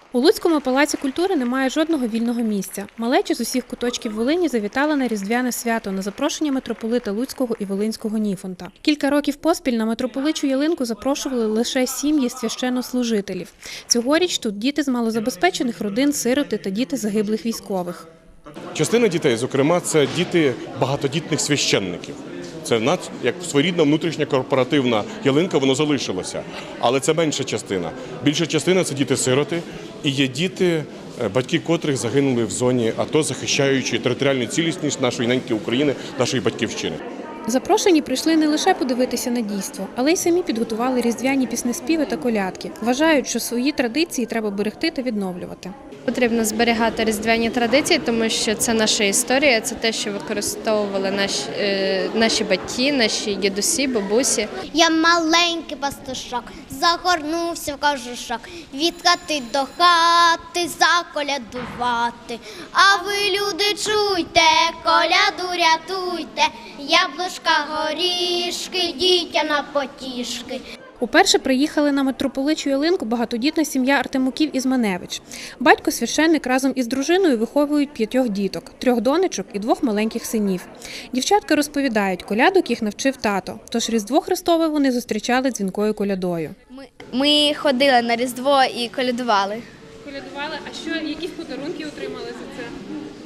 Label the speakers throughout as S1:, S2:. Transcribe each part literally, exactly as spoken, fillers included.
S1: У Луцькому палаці культури немає жодного вільного місця. Малеча з усіх куточків Волині завітала на Різдвяне свято на запрошення митрополита Луцького і Волинського Ніфонта. Кілька років поспіль на митрополичу ялинку запрошували лише сім'ї священнослужителів. Цьогоріч тут діти з малозабезпечених родин, сироти та діти загиблих військових.
S2: Частина дітей, зокрема, це діти багатодітних священників. Це в нас, як своєрідна внутрішня корпоративна ялинка, воно залишилося. Але це менша частина. Більша частина – це діти-сироти і є діти, батьки котрих загинули в зоні АТО, захищаючи територіальну цілісність нашої неньки України, нашої батьківщини.
S1: Запрошені прийшли не лише подивитися на дійство, але й самі підготували різдвяні піснеспіви та колядки. Вважають, що свої традиції треба берегти та відновлювати.
S3: Потрібно зберігати різдвяні традиції, тому що це наша історія, це те, що використовували наші, е, наші батьки, наші дідусі, бабусі.
S4: Я маленький пастушок, загорнувся в кожушок, від хати до хати заколядувати. А ви, люди, чуйте, коляду рятуйте, яблучка, горішки, дітя на потішки.
S1: Уперше приїхали на митрополичу ялинку багатодітна сім'я Артемуків із Маневич. Батько священник разом із дружиною виховують п'ятьох діток, трьох донечок і двох маленьких синів. Дівчатка розповідають, колядок їх навчив тато, тож Різдво Христове вони зустрічали дзвінкою колядою.
S5: Ми, ми ходили на Різдво і колядували.
S1: Колядували? А що, якісь подарунки отримали за це?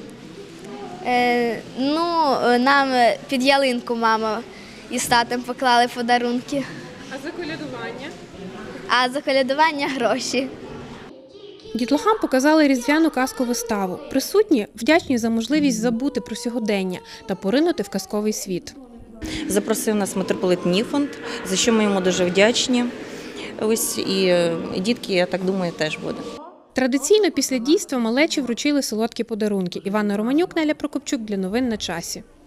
S5: Е, ну, нам під ялинку мама із татом поклали подарунки.
S1: А за колядування?
S5: А за колядування гроші.
S1: Дітлахам показали різдвяну казку-виставу. Присутні вдячні за можливість забути про сьогодення та поринути в казковий світ.
S6: Запросив нас митрополит Ніфонт, за що ми йому дуже вдячні. Ось і дітки, я так думаю, теж буде.
S1: Традиційно після дійства малечі вручили солодкі подарунки. Іванна Романюк, Неля Прокопчук для новин на часі.